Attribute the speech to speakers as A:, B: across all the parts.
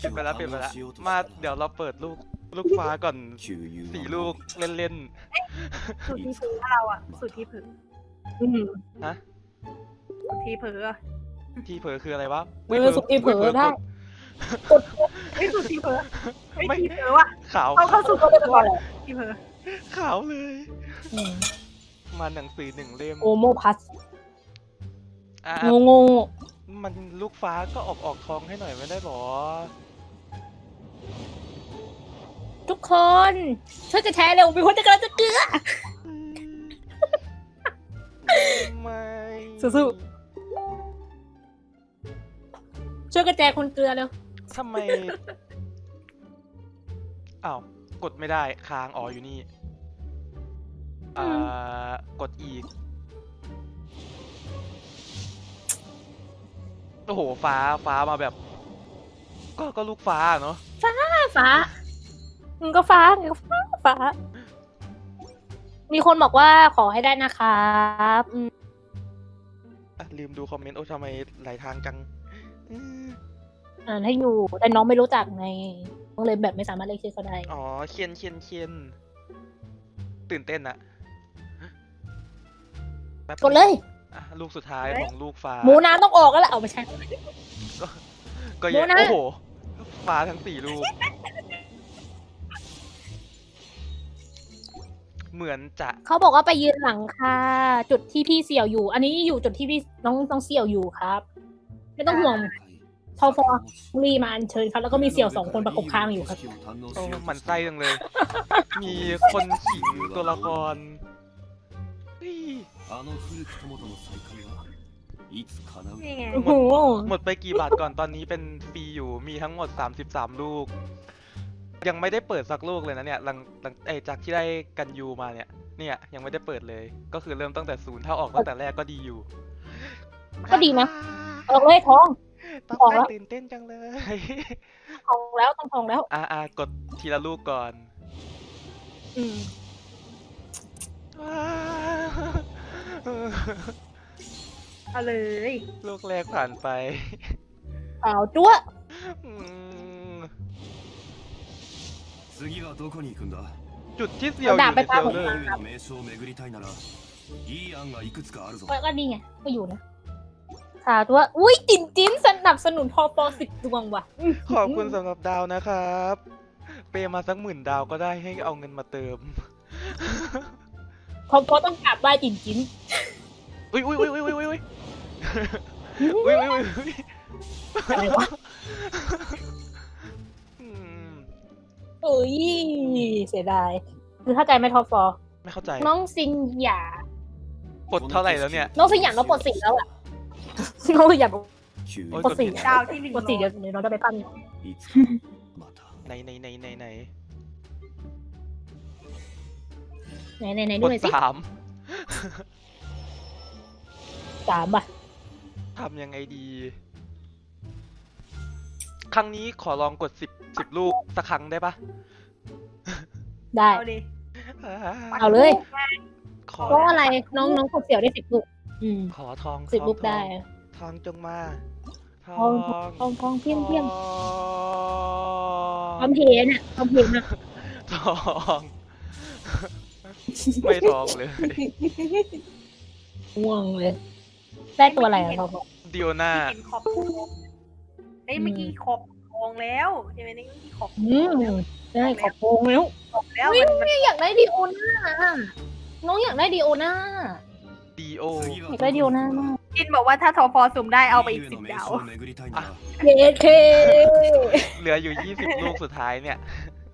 A: ปิดไปแล้วมาเดี๋ยวเราเปิดลูกฟ้าก่อน4 ลูกเล่น
B: สุดที่ผือเราอะสุดที่ผือ
A: ๆฮะ
B: สุดที่ผือ
A: ที่เผลอคืออะไรวะ
C: สุดที่เผลอได้
B: ไม่สุดที่ผือ
A: ไม่
B: ไม่ที่ผือว่ะ
A: ขาว
B: เข้าสู่ตัวตนที่ผือ
A: ขาวเลย มาหนังสือ1 เล่ม
C: โอโมพัส
A: อ่ะ
C: โง่
A: มันลูกฟ้าก็ออกทองให้หน่อยไม่ได้หรอ
C: ทุกคนช่วยกันแชร์เร็วมีคนจะกำลังจะเกลือ
A: ไม่
C: สู้ ช่วยกันแชร์คนเกลือเร็ว
A: ทำไมอ้าวกดไม่ได้ค้างอ๋ออยู่นี่กดอีกโอ้โหฟ้ามาแบบ ก็ลูกฟ้าเนาะ
C: ฟ้ามึงก็ฟ้ามึงก็ฟ้า มีคนบอกว่าขอให้ได้นะครับ
A: ลืมดูคอมเมนต์โอ้ทำไมหลายทางจัง
C: ให้อยู่แต่น้องไม่รู้จักไงก็เลยแบบไม่สามารถเรียกชื่อเขาได้
A: อ๋อเคียนตื่นเต้นอะแป๊บ
C: กดเลย
A: ลูกสุดท้ายของลูกฟ้า
C: หมูน้ำต้องออกแล้วแหละเอาไม่ใช่
A: ก็เยอะ
C: โมนะ
A: โอ้โหฟ้าทั้ง4 ลูก เหมือนจะ
C: เขาบอกว่าไปยืนหลังคาจุดที่พี่เสี่ยวอยู่ อันนี้อยู่จุดที่พี่น้องเสี่ยวอยู่ครับ ไม่ต้องห่วงพอรีมาอัญเชิญครับแล้วก็มีเสี่ยว2 คนประกบข้างอยู่ครับ
A: โอ้หมันไส้จังเลย มีคนขิงตัวละครเฮ้ย
B: นี่ไง
C: โอ้โห
A: หมดไปกี่บาทก่อนตอนนี้เป็นฟรีอยู่มีทั้งหมด33 ลูก ยังไม่ได้เปิดสักลูกเลยนะเนี่ยหลังจากที่ได้กันยูมาเนี่ยยังไม่ได้เปิดเลย ก็คือเริ่มตั้งแต่0ถ้าออกตั้งแต่แรกก็ดีอยู่
C: ก็ดีนะออกเลยทอง
A: ต้อง
C: ออกแล้ว
A: ตื่นเต้นจังเลย
C: ทองแล้วต้องทองแล้ว
A: กดทีละลูกก่อน
C: อืม
B: เอาเลย
A: ลูกแรกผ่านไป
C: เปล่าจั๊วะ
A: อืมจุดที่เสี่ยวอยู่ในเซลเลอร์
C: ก็ดีไงก็อยู่นะสาวตัวอุ้ยจิ้นสนับสนุนพอ10 ดวงว่ะ
A: ขอบคุณสำหรับดาวนะครับ เปย์มาสัก10,000 ดาวก็ได้ให้เอาเงินมาเติม
C: พอต้องกราบไหว้จิ้น
A: อุ้ย
C: อะไรวะ
A: อืม
C: เอ้ยเสียดายคือเข้าใจไหมทอฟอ
A: ไม่เข้าใจ
C: น้องซินหยา
A: ปลดเท่าไหร่แล้วเนี่ย
C: น้องซินหยาน้องปลด4แล้วอ่ะน้องซินหยาปลด4
B: ดาวที่1
C: ปกติเดี๋ยวน้องจะไปปั้น
A: ไหน
C: ไหน
A: ก
C: ดู
A: ด
C: หน่อยสิ
A: 3
C: 3 ป่ะ
A: ทำยังไงดี ครั้งนี้ขอลองกด10 ลูกสักครั้งได้ปะ
C: ได้
B: เอาดิ
C: เอาเลย
A: ขอ
C: เพราะอะไรน้องกดเสี่ยวได้10 ลูก
A: ขอทอง
C: 10 ลูกได้
A: ทองจงมา ท
C: ทองเพี้ยมพร้อมเพนอ่ะพร้อมเพนอ่ะ
A: ทอง ไม่ทองเลย
C: ง่วงเลย ได้ตัวอะไรอ่ะทอง
A: ดิโอนา
B: เห็นขอบเอ้ยเมื่อกี้ขอบทองแล้วใช่ไหมนี่เมื่อกี้ขอบ
C: ได้ขอบโกงแล้ว
B: แล้ว
C: ไม่อยากได้ดีโอน่าน้องอยากได้ดีโอน่า
A: ดีโอ
C: อยากได้ดีโอน่า
B: จินบอกว่าถ้าทอพอสุ่มได้เอาไปอีก10 ดาว
C: เยเค
A: เหลืออยู่20 ลูกสุดท้ายเนี่ย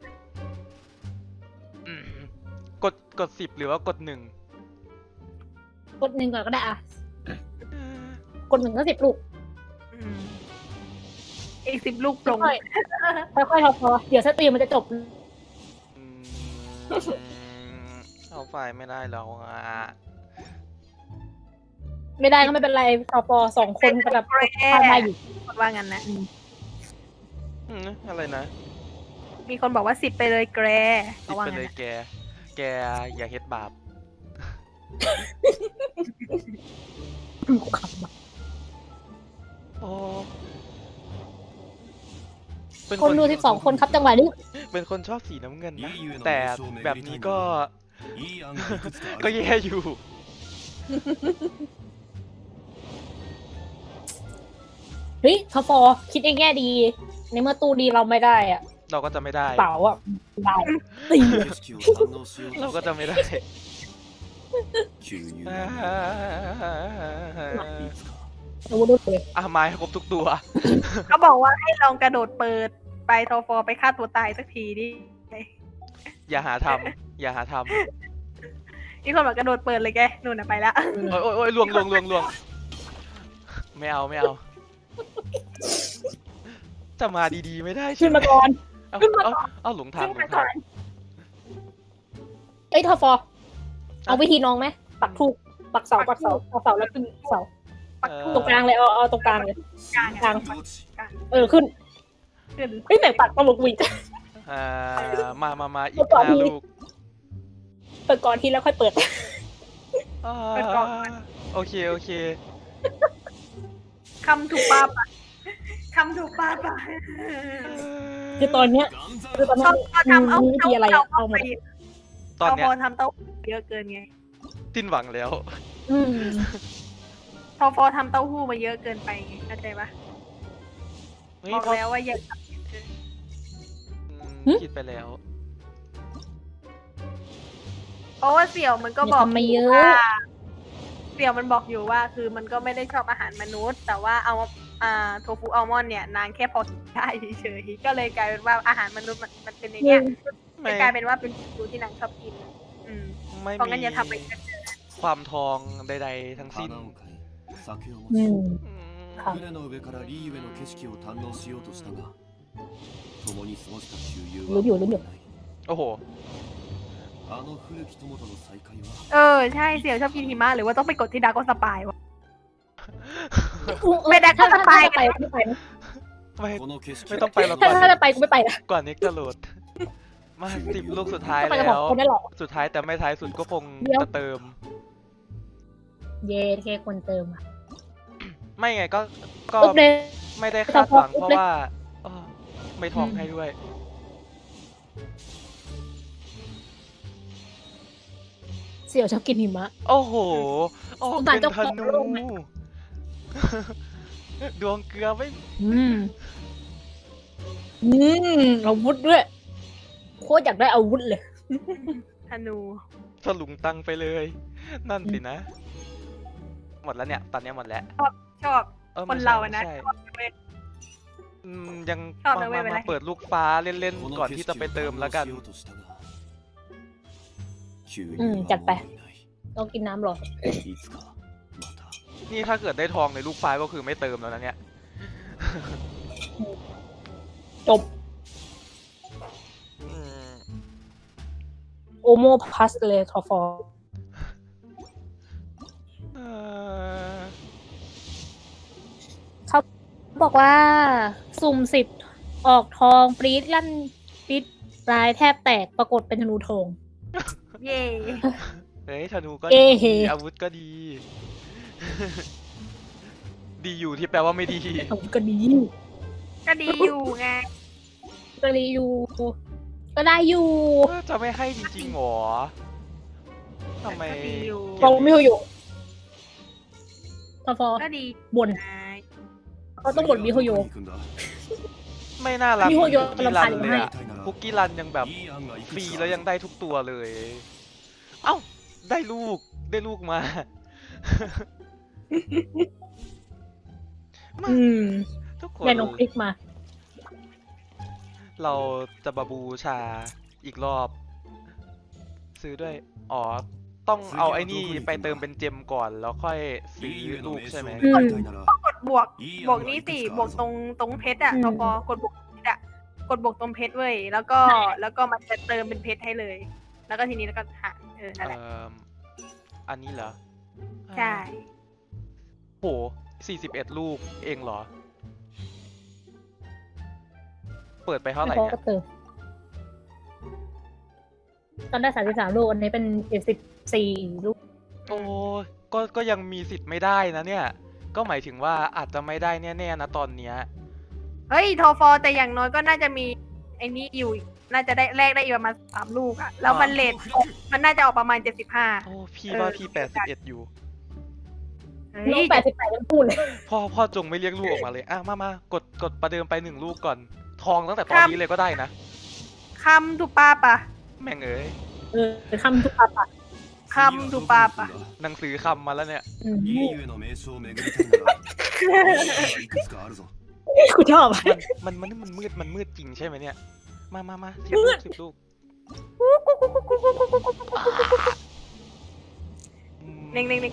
A: อืมกด10หรือว่ากด1
C: กด1ก่อนก็ได้อ่ะกด1ก็10 ลูก
B: อีก10 ลูกปลง
C: ค่อยๆพอเดี๋ยวสตรีมมันจะจบ
A: เอาไฟล์ไม่ได้แล้วอ่ะ
C: ไม่ได้ก็ไม่เป็นไรพอ2 คนกับทำได้อยู่
B: ว่างั้นนะ
A: อะไรนะ
B: มีคนบอกว่า10 ไปเลยแกร
A: ติดไปเลยแกอย่าเฮ็ดบาปโอ้เป็น
C: คนดู12 คนครับจังหวะนี้
A: เป็นคนชอบสีน้ำเงินนะ แต่แบบนี้ก็ ก็แย่อยู่
C: เฮ้ยทฟอคิดในแง่ดี ในเมื่อตู้ดีเราไม่ได้อะ
A: เราก็จะไม่ได้
C: เป๋าอ่ะได้ตี
A: เราก็จะไม่ได้
C: อาวุธรุ่นเลย
A: อ่ะไม้ครบทุกตัว
B: เขาบอกว่าให้ลองกระโดดเปิดไปทอฟอไปฆ่าตัวตายสักทีดิ
A: อย่าหาทำอย่าหาทำ
B: นี่คนบอกกระโดดเปิดเลยแกนู่นน่ะไปละ
A: โอ้ยโอ้ยโอ้ยลวงไม่เอาไม่เอา จะมาดีๆไม่ได้ใช่
C: ขึ้น
A: ไหม
C: มาก่อน
A: เอา
C: ขึ้นมา
A: เอาหลงทาง
B: ขึ้น
A: หล
B: มาง ก่
A: ทา
B: อง น
C: เอ้ยทฟอเอาวิธีน้องไหมปักทูกปักเสาปักเสาแล้วขึ้นเสา
B: ปักทู
C: ตรงกลางเลยเอาตรงกลางเลย
B: กลาง
C: กลาง ขึ้น
B: ขึ้น
C: เฮ้ยไหนปักตลกวีด
A: มาอี
C: เมื่
A: ก
C: อก่อน
A: นะ
C: มี
A: ลูก
C: เปิดก่อนทีแล้วค่อยเปิด
A: อ่าโอเค
B: คำถูกปาปะคำถูกปาปะ
C: คือตอนเนี้ย
B: ชอบทำเอา
C: มีวิธีอะไรอะเอาหมด
A: ตอน
B: ทอ
A: เนี้
B: ฟ
A: ย
B: อทำเต้าหู้เยอะเกินไง
A: สิ้นหวังแล้ว
C: อืม
B: ทอฟอทำเต้าหู้มาเยอะเกินไปไงเข้าใจปะ
A: เฮ้ย
B: บอก
A: เพราะ
B: แล้วว่าอย่า
A: คิดไปแล้ว
B: เพราะว่าเสี่ยวมันก็บอก
C: อย่าทำมาเยอะ
B: ว่าเสี่ยวมันบอกอยู่ว่าคือมันก็ไม่ได้ชอบอาหารมนุษย์ แต่ว่าเอาโทฟูอัลมอนด์เนี่ยนางแค่พอกินได้เฉยๆก็เลยกลายเป็นว่าอาหารมนุษย์มันเป็นในเนี้ย
A: ไม่
B: จะกลายเป็นว่าเป็นฟูที่นางชอบกิน อืม
A: ไม่
B: เพราะงั้น
A: มี
B: อย่าทำไปกัน
A: ความทองใดๆทั้งสิ้น
C: อืม
A: อืม
C: ครับ
D: 船の上からリーウェの景色を堪能しようとしたが共に過ごした旧友は
C: รู้อยู่รู้อยู่
A: โอ้โห
D: あの古き友との再会は
B: ใช่เสี่ยวชอบกินหิมะหรือว่าต้องไปกดที่ดาร์กสปายวะ
C: ไม่ได้ถ้า
B: จะไป
C: ไปไม่ไปนะ
A: ไม่
D: この景色
A: ไม่ต้องไปหรอก
C: ถ้าจะไปกูไม่ไปนะ
A: ก่อนนี้จะโหลด มา10 ลูกสุดท้าย
C: ก็ไปกับ
A: แล้
C: สอง
A: ว
C: คนได้หรอ
A: สุดท้ายแต่ไม่ท้ายสุดก็คง
C: เดี๋ยว
A: จะเติม
C: เย้แค่คนเติมอ่ะ
A: ไม่ไงก็
C: ปุ๊บเลย
A: ไม่ได้คาดหวัง
C: ปุ๊
A: เพ
C: บ
A: ราะ
C: เลย
A: ว่าไม่ทองให้ด้วย
C: เสี่ยวชอบกินหิมะ
A: โอ้โหออก
C: สงสาร
A: เป็น
C: เจ้า
A: ธ
C: ของ
A: นู
C: โลกไหม
A: ดวงเกลือไม่
C: อาวุธด้วยโคตรอยากได้อาวุธเลย
B: ธนู
A: ถลุงตังไปเลย นั่นสินะ หมดแล้วเนี่ย ตอนนี้หมดแล้ว
B: ชอบ
A: ไม่
B: คน
A: ใช่
B: เราอะนะ
A: ไม่ใช่
B: ชอบเว้ย
A: ยัง
B: ชอบนะเว้ย
A: มา
B: เป็นไร
A: เปิดลูกฟ้าเล่น
D: こ
A: ๆ
D: の
A: ก่อน
D: 景
A: ที่
D: 色
A: จะไป
D: を
A: เติม
D: 堪
A: แล้ว
D: 能
A: กัน
D: しようとしたが旧友
C: อืม
D: は
C: จัดไป
D: もういない
C: ต้องกินน้ำหรอ
D: いつかまた
A: นี่ถ้าเกิดได้ทองในลูกฟ้าก็คือไม่เติมแล้วนะเนี่ย
C: จบ
A: อืม
C: โอโมพัสเลยทอฟอ
A: เอ่อ
C: เขาบอกว่า สุ่ม10ออกทองปรี๊ดลั่นปรี๊ดปลายแทบแตกปรากฏเป็นธนูทอง
B: เย่
A: เฮ้ยธนูก็
C: เอ้
A: ดี
C: เฮ้
A: อาวุธก็ดี ดีอยู่ที่แปลว่าไม่ดี
C: อาวุธก็ดี
B: ก็ดีอยู่ไง
C: ก็ดีอยู่ ก็ได้อยู่
A: จะไม่ให้จริงๆหรอทำไม
B: ก็ดีอยู่
C: ฟองไม่อยู่ทอฟอ
B: ก็ดี
C: บ่น
B: ไง
C: เขาต้องบ่นมิโฮโย
D: どこに行くんだ
A: ไม่น่ารัก
C: มี
A: เห
C: โฮ
A: มือน
C: โย
A: คุกกี้รันเลย
C: ให้
A: อะคุกกี้รันยังแบบ
D: いい案がいく
A: ฟรี
D: つか
A: แล้วยังได้ทุกตัวเลย เอ้า ได้ลูกมา
C: อืม
A: ทุกคน
C: แม่น้องคลิกมา
A: เราจะบาบูชาอีกรอบ ซื้อด้วย อ๋อ ต้องเอาไอ้นี่ไปเติมเป็นเจมก่อนแล้วค่อยซื้อ
D: リーウェ
A: ลู
D: の
A: ก
D: 名
A: ใช่ไหม
D: 称を見たいなら
B: กดบวก
D: いい
B: บวก
D: 案が
B: นี่
D: いく
B: สิ
D: つ
B: บว
D: か
B: ก
D: ある
B: ตร
D: ぞ
B: งเพชรอะ
C: อืม
B: ทปกดบวกเพชรอะกดบวกตรงเพชรเว้ยแล้วก็มันจะเติมเป็นเพชรให้เลย แล้วก็ทีนี้แล้วก็หานั่นแหละ
A: อันนี้เหรอ
B: ใช่
A: โห41 ลูกเองเหรอ เปิดไปเท่าไหร่
C: เขา
A: เนี่ย
C: ก็เติมตอนได้33ลูกอันนี้เป็น74ลูก
A: โอ้ก็ยังมีสิทธิ์ไม่ได้นะเนี่ย ก็หมายถึงว่าอาจจะไม่ได้แน่ๆนะตอนเนี้ย
B: เฮ้ยโทฟอแต่อย่างน้อยก็น่าจะมีไอ้นี่อยู่อีกน่าจะได้แลกได้อีกประมาณ3 ลูกอะแล้วมันเลทมันน่าจะออกประมาณ75
A: โอ้พี่ว่าพี่81อยู่
C: น้อง88ยังพูดเลย
A: พ่อจงไม่เรียกลูกออกมาเลยอ่ะมากดประเดิมไป1 ลูกก่อน ทองตั้งแต่ตอนนี้เลยก็ได้นะ
B: คำถูกปาปะ
A: แม่งเอ้ย
C: คำทุกปาปะ
B: คำถูกปาปะ
A: หนังสือคำมาแล้วเนี่ย
D: 家ゆえの名所を巡りたいならいくつかあるぞ
C: กูชอบ
A: มันมืดจริงใช่ไหมเนี่ย มาสิบลูก
B: เน่ง
A: อืม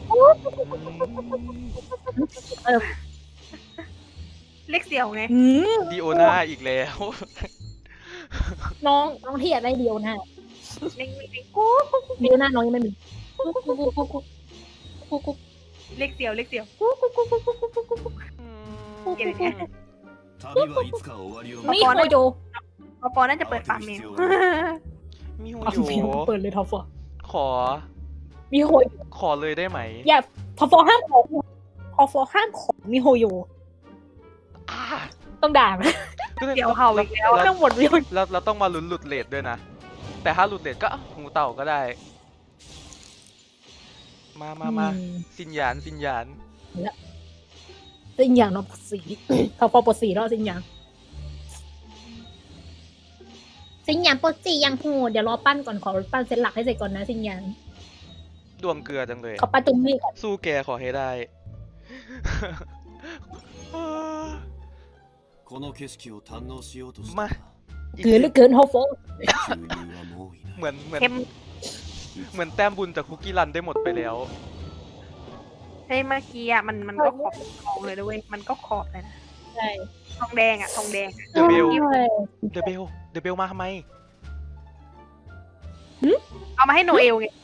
B: เล็กเสี่ยวไง
A: ดิโอนาอีกแล้ว
C: น้องที่อยากได้เดียวนะ
B: เน่ง
C: เดียวนะน้องยังไม่มี
B: เล็กเสี่ยว
D: 旅はいつか終わりを
C: มีโฮโย
B: ปอน่าจะเปิดฟาร์มเมล
A: มีหู
C: เอา
A: โย
C: เปิดเลยทอฟอ
A: ขอ
C: มีโฮโย
A: ขอเลยได้ไหม
C: อย่าทอฟอห้ามของทอฟอห้ามของมีโฮโย
A: อ่า
C: ต้องด่าไหม
B: เดี๋ยวเห่าอีกแล้ว
C: ต้องหมดวิว
A: เราต้องมาลุ้นหลุดเลทด้วยนะ แต่ถ้าหลุดเลทก็หูเต่าก็ได้ มาสินหยาน
C: สิ่งอย่างน้องปดสีทอฟอปดสีแล้วสิ่งอย่างปดสียังโหดเดี๋ยวรอปั้นก่อนขอปั้นเซตหลักให้เสร็จก่อนนะสิ่งอย่าง
A: ดวงเกลือจังเลย
C: ขอปั้นตรงนี้ก่อน
A: สู้แกขอให้ได้
D: この景色を堪能しようとした
A: มา
D: が
C: เกินหรือเกินทอฟอ
D: 収入はもういない
A: เหมือน
B: เค็ม
A: แต้มบุญจากคุกกี้รันได้หมดไปแล้ว
B: เฮ้ยเมื่อกี้อ่ะมันก็ขอบทองเลยด้วยมันก็ขอบเลยนะ
C: ใช่
B: ทองแดงอ่ะทองแดง
A: เดอะเบล
C: ใช่
A: เดอะเบลมาทำไม
B: เอามาให้โนเอลไง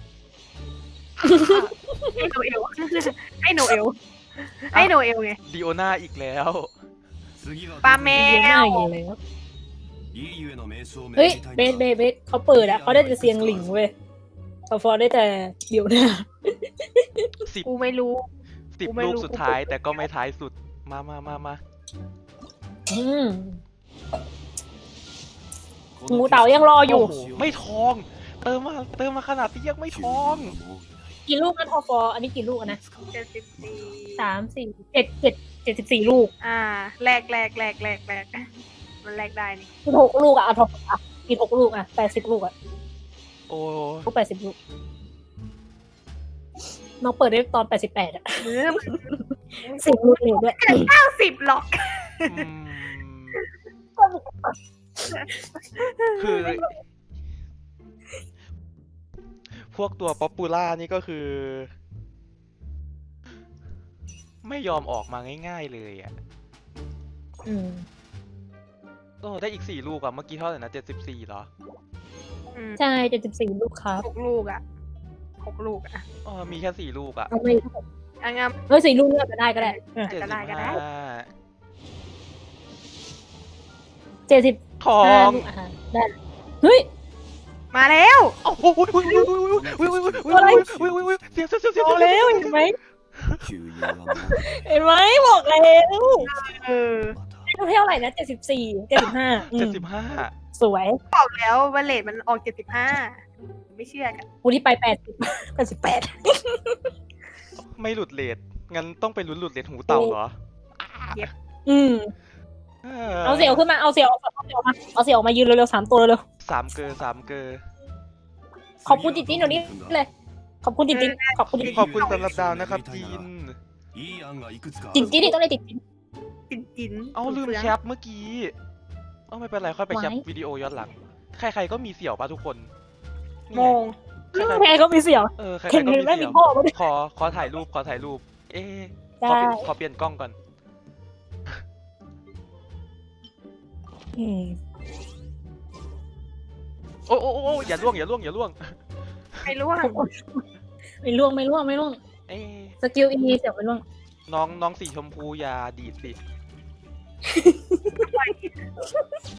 B: ให้โนเอลให้โนเอลไง
A: ดิโอนาอีกแล้ว
D: 次は
B: ปลาแม
C: เยอะมาก
B: ว
C: เลยแล้ว
D: 家ゆえの名所を巡
C: เฮ้ย
D: りたい
C: เบ
D: な
C: สเขาเปิดอะเขาได้แต่เสียงหลิงเว้ยทอฟอได้แต่เดี๋ยวนะ
A: 10
B: กูไม่รู้ กูไม่
A: ลูก
B: รู้
A: สุดท้ายแต่ก็ไม่ท้ายสุด มา
C: อืม
D: こ
C: งู
D: の
C: เต่ายังรออยู่
A: โอ้โหไม่ทอง เติมมาขนาดที่ยังไม่
D: 収
A: ท
D: 入
A: อง
D: はもういない
C: กี่ลูกนะทอฟออันนี้กี่ลูกอะนะ
B: 74
C: 74 ลูก
B: แลกมันแลกได้นี่
C: กิน6 ลูกอะทอฟอกิน6 ลูกอะ80 ลูกอะ
A: โอ้
C: ลูก80 ลูกน้องเปิดได้ตอน88อะ
B: เออ
C: 10 ลูกเร็วด้วย
B: 90หรอก
A: อืมคือ พวกตัวป๊อปปูล่านี่ก็คือ ไม่ยอมออกมาง่ายๆเลยอ่ะ
C: อืม
A: โอ้ได้อีก4 ลูกอ่ะ เมื่อกี้เท่าไหร่นะ74เหรอ
C: ใช่74 ลูกครับ
B: 6 ลูกอ่ะ6 ลูกอ่ะ
A: อ๋อมีแค่4 ลูกอ่ะ
C: เอาไม่
B: อ่ะงั้น
C: เฮ้ย4 ลูกเลือกก็ได้ก็ได้เออ
B: ก็ได้
C: 70
A: ทอง
C: ลูกอะได้เฮ้ย
B: มาแล้ว
A: โอ้โหเสียง
C: บอกแล้วเห็นไหม
D: 収入はもう
C: เห็นไหมบอกแล้ว
B: เออ
D: また
C: เท่าไหร่นะ74 75
A: 75
C: สวย
B: บอกแล้วว่าเลทมันออก75ไม่เชื่อกัน
C: กูที่ไป80 88
A: ไม่หลุดเลทงั้นต้องไปลุ้นหลุดเลทหูเต่าเหรอ
C: อืมเอาเสียวขึ้นมาเอาเสียวออกมายืนเร็วๆ3 ตัวเร็ว
A: 3 เกอร์
C: ๆขอบคุณจิตจิ้นเดี๋ยวนี้เลย ขอบคุณจิตจิ้นขอบคุณจิต
A: ขอบคุณสำหรับดาวนะครับจีน
D: いい案がいくつかあ
C: จิต
D: る
C: จิ้นนี่ต้องได้จิตจิ้น
B: จิน
A: เอาลืมแคปเมื่อกี้ เอาไม่เป็นไรค่อยไปแคป
C: ไว้
A: วิดีโอย้อนหลัง ใครๆก็มีเสี่ยวป่ะทุกคนนี่
B: โม
A: ไง
B: ง
C: แม่ก็มีเสียว
A: ใคร
C: เห็น
A: ๆก็มี
C: แม่
A: เสี่
C: มี
A: ยว
C: พ่อมาด้วย
A: ขอถ่ายรูป เอ๊ะ
C: ได้
A: ขอเปลี่ยนกล้องก่อน
C: อืม
A: โอ้อย่าล่วง
B: ไม่รู้ว่า
C: ไม่ล่วง
A: เอ๊ะ
C: สกิลอีเสียวไม่ล่วง
A: น้องสีชมพูอย่าดีดสิ